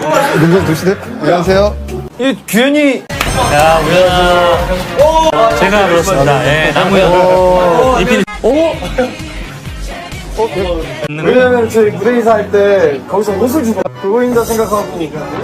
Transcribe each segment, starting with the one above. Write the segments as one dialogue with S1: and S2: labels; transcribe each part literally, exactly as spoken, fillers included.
S1: 눈좀 드시네. 안녕하세요.
S2: 이 규현이.
S3: 야, 우연아. 제가 그렇습니다. 예, 남우연. 이필. 오!
S1: 왜냐면 저희 무대 인사할 때 거기서 옷을 주고 그거인가 생각하고.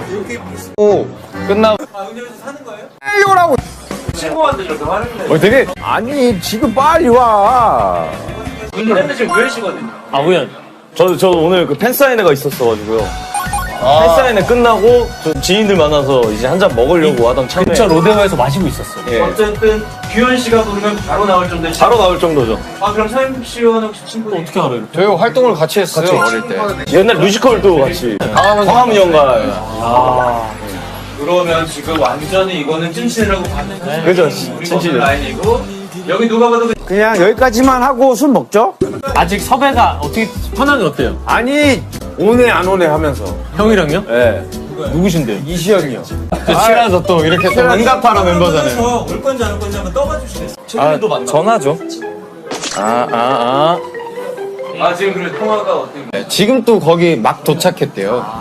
S1: 오 끝나고. 아 은현이 사는 거예요? 빨리 오라고. 친구한테 이렇게 화를 내. 어 되게 아니 지금 빨리 와.
S3: 근데 지금 우연씨거든요. 아, 우연.
S2: 저, 저 오늘 그 팬사인회가 있었어가지고요. 아. 팬사인회 끝나고 저 지인들 만나서 이제 한 잔 먹으려고 하던 참에.
S3: 근처 로데오에서 마시고 있었어.
S2: 예.
S4: 어쨌든 규현 씨가 부르면 바로 나올 정도의
S2: 바로 나올 정도죠.
S4: 아 그럼 서인국 씨와는 혹시 친구
S3: 어떻게 알아요?
S1: 저희 활동을 같이 했어요 어릴 때.
S2: 옛날 뮤지컬도 같이. 광화문 연가.
S3: 아.
S4: 그러면 지금 완전히 이거는 찐친이라고 봤는데
S2: 네. 그죠,
S4: 우리
S2: 찐친이죠.
S4: 라인이고 여기 누가 봐도
S1: 그냥 여기까지만 하고 술 먹죠?
S3: 아직 섭외가 어떻게, 현황이 어때요?
S1: 아니 오네 안 오네 하면서.
S3: 형이랑요?
S1: 예.
S3: 누구신데요?
S1: 이시연이요.
S3: 친해서 또 이렇게 또 응답하라 멤버잖아요.
S4: 올 건지 안 올 건지 한번 떠봐 주시겠어요?
S2: 최근에도 만나.
S1: 전화죠. 아 아 아.
S4: 아 지금 그래 통화가 어떻게
S1: 지금 또 거기 막 도착했대요.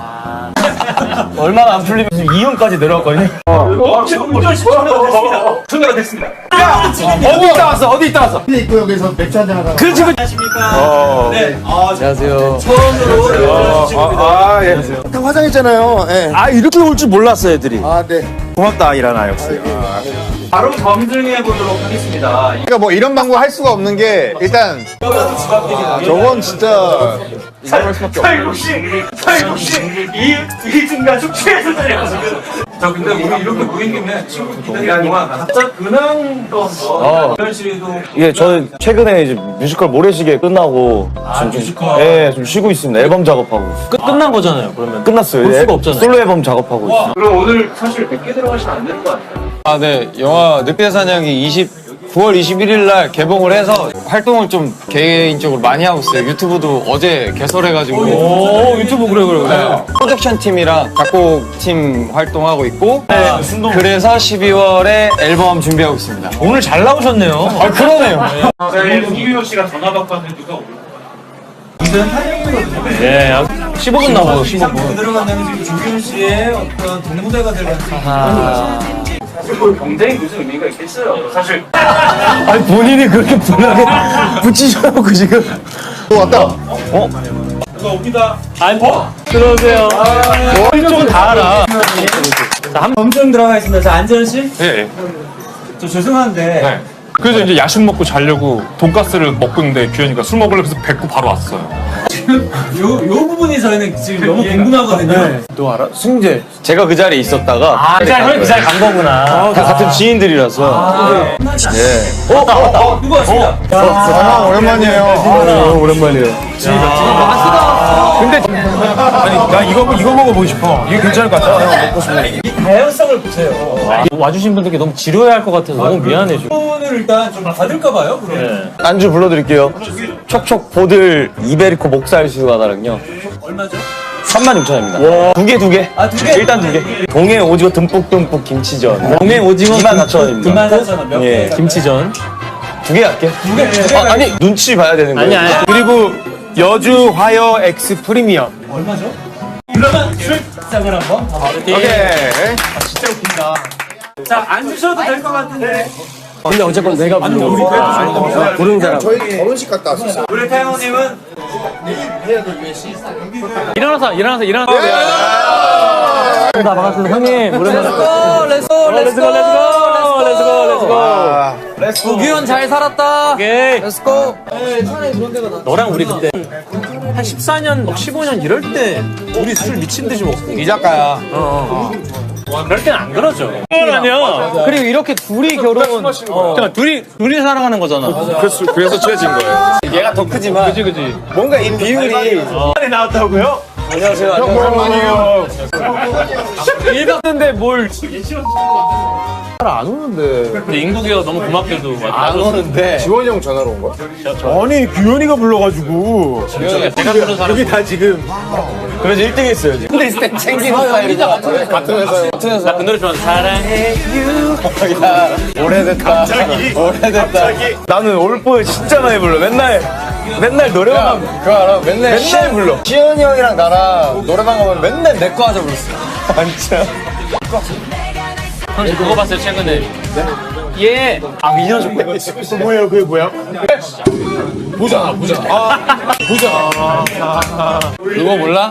S2: 얼마나 안 풀리면 지금 이 형까지 내려왔거든요.
S4: 어? 지금 규현 씨 전화가 됐습니다 전화가 됐습니다
S1: 어디 있다 왔어? 어디 있다 왔어?
S5: 입구역에서 맥주 한잔 하다가
S1: 그렇지.
S4: 안녕하십니까 네 아,
S1: 안녕하세요.
S4: 처음으로 연락 주십니다
S1: 아 예.
S5: 다 화장했잖아요. 예.
S1: 아 이렇게 올 줄 몰랐어 애들이.
S5: 아, 네.
S1: 고맙다 이라나 역시.
S4: 바로 검증해 보도록 하겠습니다
S6: 그러니까 뭐 이런 방법 할 수가 없는 게 일단
S4: 이거라도 집 앞이니까
S6: 저건 진짜
S4: 서인국 씨 서인국 씨이 이중가 축제에서 지금 자 근데 우리 이렇게 모인 김에 친구 기다리는 동안 각자 근황 또 한번 규현 씨도
S2: 예, 저는 최근에 이제 뮤지컬 모래시계 끝나고 지금 좀,
S4: 뮤지컬.
S2: 예, 좀 쉬고 있습니다. 앨범 작업하고 있어요.
S3: 끝, 끝난 거잖아요, 그러면.
S2: 끝났어요.
S3: 볼
S2: 예,
S3: 수가 없잖아요.
S2: 솔로 앨범 작업하고 있어요.
S4: 그럼 오늘 사실 백 개 들어가시면 안 되는 거 아니에요?
S1: 아 네. 영화 늑대 사냥이 구월 이십일일 날 개봉을 해서 활동을 좀 개인적으로 많이 하고 있어요. 유튜브도 어제 개설해가지고.
S3: 오, 유튜브 그래, 그래, 그래.
S1: 네. 프로덕션 팀이랑 작곡팀 활동하고 있고.
S2: 네,
S1: 그래서 십이월에 앨범 준비하고 있습니다.
S3: 오늘 잘 나오셨네요.
S1: 아 그러네요.
S4: 자, 이규현 씨가 전화 받고 왔는데 누가 올까요? 이건 타이밍이거든요.
S3: 예, 약 십오 분 남았어요, 십오 분.
S4: 그대로 간다면 지금 조규현 씨의 어떤 동무대가 될 가능성이 사실 그 경쟁이 무슨 의미가 있겠어요. 사실
S2: 아니, 본인이 그렇게 분하게 붙이셔놓고 지금.
S6: 또 왔다.
S4: 누가 옵니다.
S3: 아니, 들어오세요. 이쪽은 다 알아.
S4: 검증 들어가 있습니다. 자, 안재현 씨.
S7: 예.
S4: 저 죄송한데
S7: 네. 그래서 이제 야식 먹고 자려고 돈가스를 먹고 있는데 규현이가 술 먹으려고 해서 뱉고 바로 왔어요.
S4: 요, 요 부분이 저희는 지금 너무 궁금하거든요.
S1: 너 알아? 승재.
S2: 제가 그 자리에 있었다가.
S3: 아, 그 자리, 형이 그 자리 간 거구나.
S2: 다 같은 지인들이라서.
S4: 네. 어, 어, 어, 누구 왔습니다.
S6: 전화 오랜만이에요.
S2: 오랜만이에요.
S7: 근데 아니 나 이거 이거 먹어보고 싶어. 이게 괜찮을 것 같아. 먹고 싶어.
S4: 이 다양성을 보세요.
S3: 와주신 분들께 너무 지루해할 것 같아서 너무 미안해, 지금.
S4: 오늘 일단 좀 받을까봐요. 그럼.
S3: 예.
S2: 안주 불러드릴게요. 촉촉 보들 이베리코 목살수 하나랑요.
S4: 얼마죠?
S2: 삼만 육천 원입니다. 두 개, 두 개.
S4: 아, 두 개?
S2: 일단 두 개. 동해 오징어 듬뿍듬뿍 김치전.
S3: 동해 오징어
S2: 이만 사천 원입니다.
S4: 이만 사천 원 몇
S2: 예.
S4: 개?
S3: 김치전.
S2: 두 개 할게.
S4: 두 개, 두 개.
S2: 아, 아니, 눈치 봐야 되는 거예요.
S3: 아니, 아니.
S1: 그리고 여주 화요 X 프리미엄.
S4: 얼마죠? 그러면 출장을 한번 가볼게요.
S1: 오케이.
S4: 진짜 웃긴다. 자, 앉으셔도 될 것 같은데.
S3: 근데 어쨌건 내가
S4: 아니, 우리 그래도
S3: 부른 사람.
S5: 저희 결혼식 갔다 왔었어요.
S4: 우리 태영님은
S3: 일어나서, 일어나서, 일어나서. 다 반갑습니다. 형님, 오랜만에. 렛츠고, 렛츠고, 렛츠고, 렛츠고, 렛츠고, 렛츠고.
S8: 구규현 잘 살았다.
S3: 오케이.
S8: 렛츠고.
S3: 너랑 우리 그때 한 십사 년, 막 십오 년 이럴 때 우리 술 미친 듯이 먹고.
S1: 이 작가야.
S3: 그럴 땐 안 그러죠. 아니야.
S8: 그리고 이렇게 둘이 결혼.
S3: 그러니까 둘이, 둘이 살아가는 거잖아.
S7: 그래서 그래서 친해진 거예요.
S1: 얘가 더 크지만.
S3: 그치, 그치.
S1: 뭔가 이 비율이.
S2: 안에 나왔다고요?
S1: 안녕하세요.
S6: 형 오랜만이에요.
S3: 일갔는데 뭘.
S1: 안 오는데.
S3: 근데 인국이가 너무 고맙게도.
S1: 안 오는데.
S6: 지원이 형 전화로 온 거야?
S1: 아니 규현이가 불러가지고.
S3: 제가 부른 사람.
S1: 여기 다 지금.
S2: 그래서 일 등 했어요, 지금.
S1: 근데 있을 때 챙기는 스타일이고. 같은 회사요. 같은 회사.
S3: 나 그 노래 좋아하는 사랑해.
S1: 야, 오래됐다. 오래됐다.
S2: 나는 올보에 진짜 많이 불러. 맨날 맨날 노래방 가면
S6: 그거 알아? 맨날
S2: 맨날 불러.
S6: 시현이 형이랑 나랑 노래방 가면 맨날 내 거 하자 불렀어.
S2: 진짜.
S3: 형님 그거 봤어요 최근에? 예. 아 민현 좀.
S5: 뭐예요? 그게 뭐야?
S7: 보자 보자. 아 보자.
S8: 그거 몰라?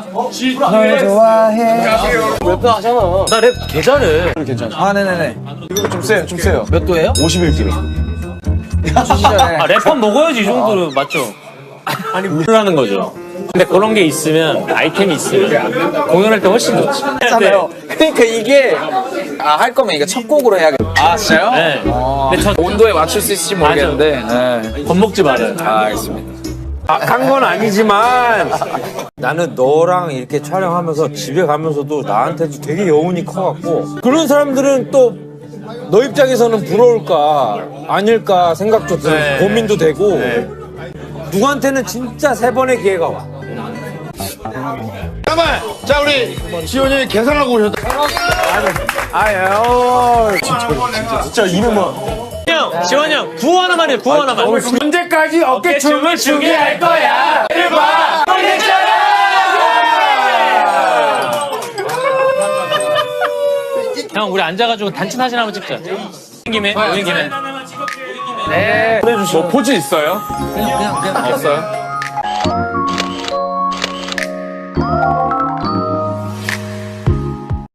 S3: 나 랩 개 잘해.
S8: 아 네네네.
S6: 좀 세요, 좀 세요.
S8: 몇 도예요?
S6: 오십일 킬로.
S8: 시전에.
S3: 아 랩한 먹어야지 이 정도로 맞죠? 아니 물라는 거죠. 근데 그런 게 있으면 아이템이 있으면 공연할 때 훨씬 좋지.
S8: 잖아요. 그러니까 이게 아 할 거면 이거 첫 곡으로 해야겠다. 아 진짜요?
S3: 네. 근데 저
S8: 온도에 맞출 수 있을지 모르겠는데. 네.
S3: 겁먹지 말아요.
S8: 아 알겠습니다.
S9: 한 건 아니지만 나는 너랑 이렇게 촬영하면서 집에 가면서도 나한테도 되게 여운이 커갖고 그런 사람들은 또 너 입장에서는 부러울까 아닐까 생각도 들고
S3: 네.
S9: 고민도 되고 누구한테는 진짜 세 번의 기회가 와.
S6: 잠깐만! 자, 우리 시현이 계산하고 오셨다.
S2: 진짜 이름만.
S3: 형, 지원 형, 구호 하나만 해, 구호 하나만.
S9: 언제까지 어깨춤을 추게 할 거야?
S3: 형, 우리 앉아가지고 단체 사진 한번 찍자. 오는 김에, 오는 김에.
S7: 뭐 포즈 있어요?
S8: 그냥 그냥 그냥
S7: 없어요?